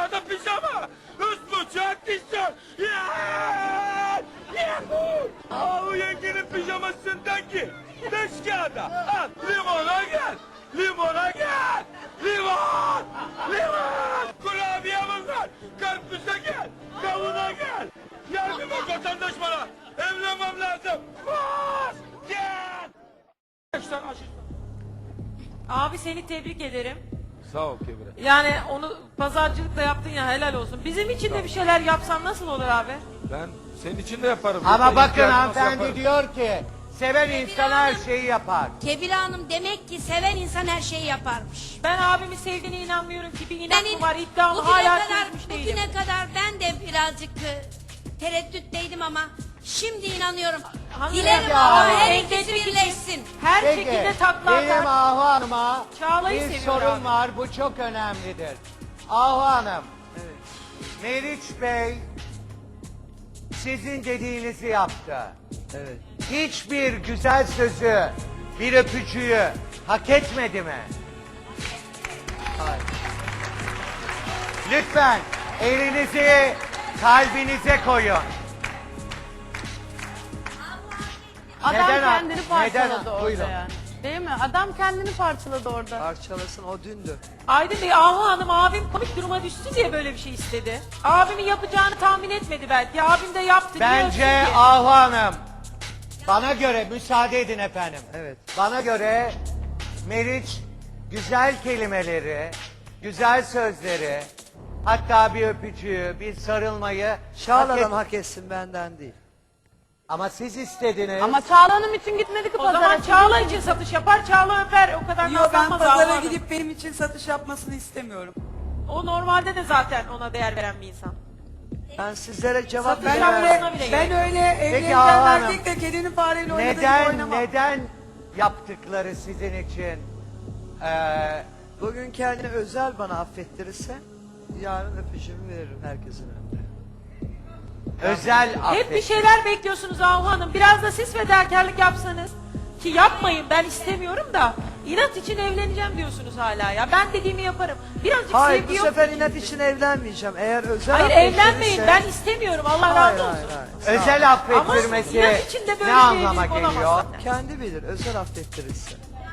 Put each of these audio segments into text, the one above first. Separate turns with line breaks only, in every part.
aşağıda pijama. Üst buçuk tişört. Bu yengenin pijamasından ki. Beş kağıda. Al limona gel. Limona gel. Limon. Limon. Kurabiyemiz var. Karpuza gel. Kavuna gel. Yardım et vatandaş bana. Evlenmem lazım. Koş. Gel.
Abi seni tebrik ederim.
Sağ ol Kebire.
Yani onu pazarcılıkla yaptın ya, helal olsun. Bizim için de bir şeyler yapsan nasıl olur abi?
Ben senin için de yaparım.
Ama
Yeter,
bakın
ihtiyacın olsa
hanımefendi
yaparım.
diyor ki seven insan her şeyi yapar.
Kebire Hanım demek ki seven insan her şeyi yaparmış.
Ben abimi sevdiğine inanmıyorum ki, bir inat
Benim
mı var, iddiamı
bugüne
hala
kadar,
çözmüş değilim.
bugüne kadar ben de birazcık tereddütteydim ama şimdi inanıyorum.
Hanım
Dilerim
ya,
Allah her
engel
ikisi
çekici.
birleşsin.
Her
Peki
şekilde takla
benim
atar.
Ahu Hanım'a
Çağla'yı
bir
seviyor
sorun
abi.
var, bu çok önemlidir. Ahu Hanım, Meriç Bey sizin dediğinizi yaptı.
Evet.
Hiçbir güzel sözü, bir öpücüğü hak etmedi mi?
Hayır.
Lütfen elinizi kalbinize koyun.
Adam
Neden-
kendini parçaladı
neden-
orada
Buyurun.
yani. Değil mi? Adam kendini parçaladı orada.
Parçalasın, o dündü.
Aydın Bey, Ahu Hanım abim komik duruma düştü diye böyle bir şey istedi. Abimin yapacağını tahmin etmedi belki. Abim de yaptı.
Bence
diyorsun ki.
Ahu Hanım, bana göre müsaade edin efendim.
Evet.
Bana göre Meriç güzel kelimeleri, güzel sözleri, hatta bir öpücüğü, bir sarılmayı hak
Çağla'dan
et-
hak etsin, benden değil.
Ama siz istediniz.
Ama Çağla Hanım için gitmedi ki
O
pazara.
zaman Çağla için satış yapar, Çağla öper. O kadar
Yok, ben
nazlanmaz Ahu
pazara
Hanım.
gidip benim için satış yapmasını istemiyorum.
O normalde de zaten ona değer veren bir insan.
Ben sizlere cevap
Satın
Ben
yapmasına
veremem.
öyle,
bile
ben
gerek.
öyle evleneceğim
Ahu Hanım,
erkekle kedinin fareyle oynadığı gibi oynamam.
neden yaptıkları sizin için
Bugün kendini özel bana affettirirse yarın öpücüğümü veririm herkesin önünde.
özel
Hep
affet?
bir şeyler bekliyorsunuz Ahu Hanım. Biraz da siz fedakarlık yapsanız. Ki yapmayın, ben istemiyorum da. İnat için evleneceğim diyorsunuz hala ya. Ben dediğimi yaparım. Birazcık
Hayır,
sevgi
bu
yok.
sefer inat için evlenmeyeceğim. Eğer özel
Hayır,
affettirirse...
evlenmeyin. Ben istemiyorum. Allah
Hayır,
razı olsun.
hayır, hayır. Sağ ol.
Özel affettirmesi
Ama inat içinde böyle
ne
bir
anlama
evlilik olamaz
geliyor?
zaten.
Kendi bilir, özel affettirirse.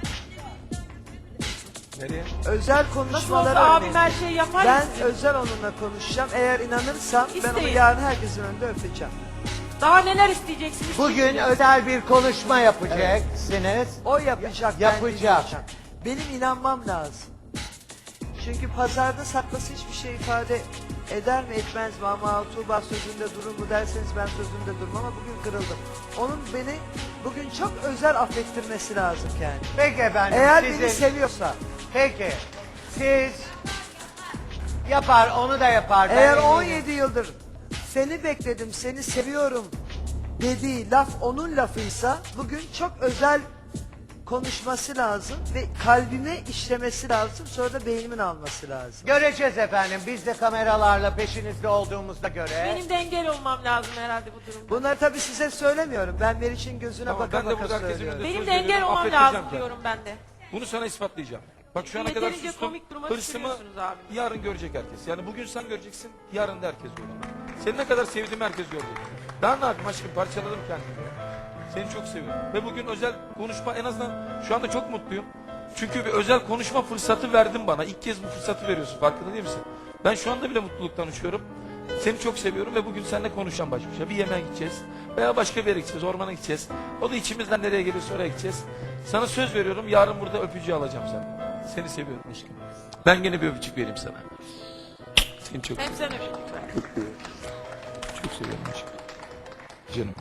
Nereye?
Özel
Nasıl
konuşmaları
olsa abim
örneğin.
her şeyi yapar
Ben
ya sizin.
özel onunla konuşacağım. Eğer inanırsam ben onu
İsteyin.
yarın herkesin önünde öpeceğim.
Daha neler isteyeceksiniz?
Bugün özel bir konuşma yapacaksınız.
O yapacak. ben
Yapacak.
dinleyeceğim. Benim inanmam lazım. Çünkü pazarda saklası hiçbir şey ifade eder mi etmez mi, ama Tuğba sözünde durur mu derseniz ben sözümde durmam, ama bugün kırıldım. Onun beni bugün çok özel affettirmesi lazım kendini.
Peki efendim.
Eğer
sizin-
beni seviyorsa,
Peki. Siz yapar, onu da yapar. ben
eğer
eminim.
17 yıldır seni bekledim, seni seviyorum dediği laf onun lafıysa, bugün çok özel konuşması lazım ve kalbime işlemesi lazım, sonra da beynimin alması lazım.
Göreceğiz efendim. Biz de kameralarla peşinizde olduğumuzda göre.
Benim de engel olmam lazım herhalde bu durumda.
Bunları tabii size söylemiyorum. Ben Meriç'in gözüne
Tamam,
baka
ben de
baka
burada herkesin
söylüyorum.
önünde
Benim
söz
de engel
veriyorum,
olmam
affettireceğim
lazım
kendimi.
diyorum ben de.
Bunu sana ispatlayacağım. Bak şu ana kadar
Yeterince
sustum.
komik duruma
Hırsımı
düşürüyorsunuz abi.
yarın görecek herkes. Yani bugün sen göreceksin, yarın da herkes görecek. Seni ne kadar sevdiğimi herkes görecek. Daha ne yapayım aşkım, parçaladım kendimi. Seni çok seviyorum. Ve bugün özel konuşma, en azından şu anda çok mutluyum. Çünkü bir özel konuşma fırsatı verdin bana. İlk kez bu fırsatı veriyorsun, farkında değil misin? Ben şu anda bile mutluluktan uçuyorum. Seni çok seviyorum ve bugün seninle konuşacağım baş başa. Bir yemeğe gideceğiz veya başka bir yere gideceğiz, ormana gideceğiz. O da içimizden nereye geliyorsa oraya gideceğiz. Sana söz veriyorum, yarın burada öpücüğü alacağım senden. Seni seviyorum aşkım. Ben gene bir öpücük vereyim sana. Seni çok
Hep
seviyorum.
sen öpücük ver.
Çok seviyorum aşkım. Canım.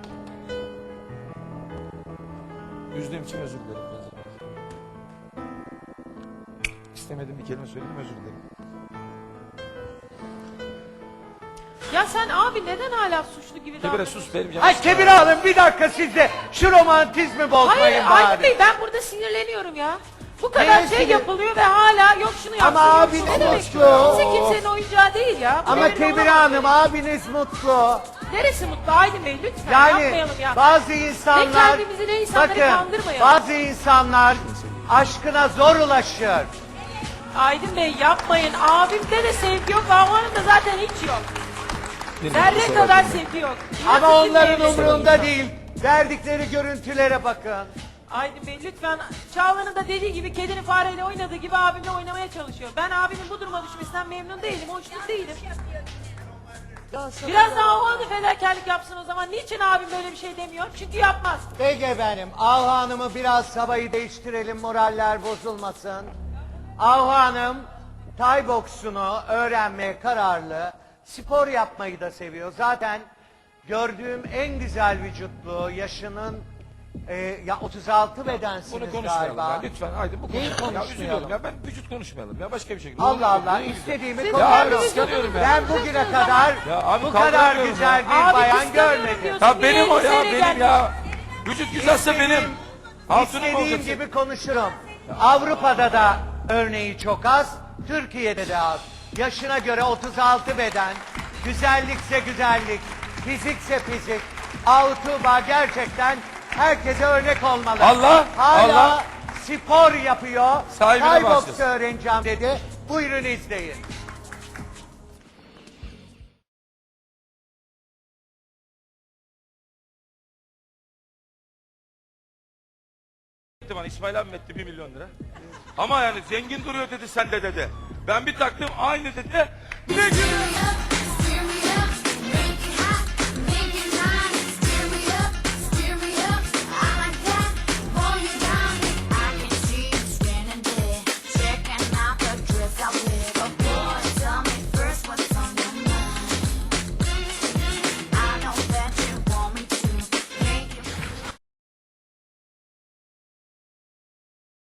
Üzdüğüm için özür dilerim. İstemedim bir kelime söyledim, özür dilerim.
Ya sen abi neden hala suçlu gibi
Kibire
davranıyorsun?
sus benim canım.
Ay Kebir Hanım bir dakika siz de şu romantizmi bozmayın
Hayır
bari.
Aydın Bey, ben burada sinirleniyorum ya. Bu kadar
Neye
şey
sinir-
yapılıyor ve hala yok şunu yapsın.
Ama
yok
abiniz
şunu. Ne demek?
mutlu.
Kimse kimsenin oyuncağı değil ya. Bu
Ama
devrin
Kebir
olamaz.
Hanım abiniz mutlu.
Neresi mutlu Aydın Bey, lütfen
Yani
yapmayalım ya.
bazı
Ne
insanlar,
kendimizi ne insanları
bakın
kandırmayalım.
bazı insanlar aşkına zor ulaşır.
Aydın Bey yapmayın. Abimde de sevgi yok. Ahu Hanım'da zaten hiç yok. Zerre kadar sevgi yok. İnat
Ama
için
onların
evlenin.
umurunda değil. Verdikleri görüntülere bakın.
Aydın Bey lütfen, Çağla'nın da dediği gibi kedinin fareyle oynadığı gibi abimle oynamaya çalışıyor. Ben abimin bu duruma düşmesinden memnun değilim, hoşnut değilim.
Ya sana
Biraz
ya.
daha o anda fedakarlık yapsın o zaman. Niçin abim böyle bir şey demiyor? Çünkü yapmaz.
Peki efendim, Ahu Hanım'ı biraz havayı değiştirelim, moraller bozulmasın. Ahu Hanım, Tay boksunu öğrenmeye kararlı, spor yapmayı da seviyor. Zaten gördüğüm en güzel vücutlu, yaşının ya 36 bedensiniz
Bunu konuşmayalım
galiba.
ya. Lütfen Aydın bu
Neyi
konuşmayalım. Ya
konuşmayalım?
üzülüyorum ya. Ben vücut konuşmayalım ya. Başka bir şey.
Allah Allah, istediğimi
Ya abi
konuşuyorum.
kıskanıyorum ya.
Ben bugüne kadar
Ya abi
bu kadar
kaldıramıyorum
güzel
ya.
bir
Abi
bayan
kıskanıyorum
görmedim.
diyorsun.
Ya benim o ya,
Elbiseyle
benim
gelmiş.
ya. Vücut güzelse benim. Hatunum
İstediğim
olacaksın.
gibi konuşurum. Avrupa'da da örneği çok az, Türkiye'de de az. Yaşına göre 36 beden, güzellikse güzellik, fizikse fizik. Tuğba gerçekten herkese örnek olmalı.
Allah,
Hala
Allah.
spor yapıyor.
Sahibine
Thai box
başlasın.
öğreneceğim dedi. Buyurun izleyin.
Bana İsmail abi etti 1 milyon lira. Ama yani zengin duruyor dedi sende dedi. Ben bir taktım aynı dedi. Ne gülüyorsun?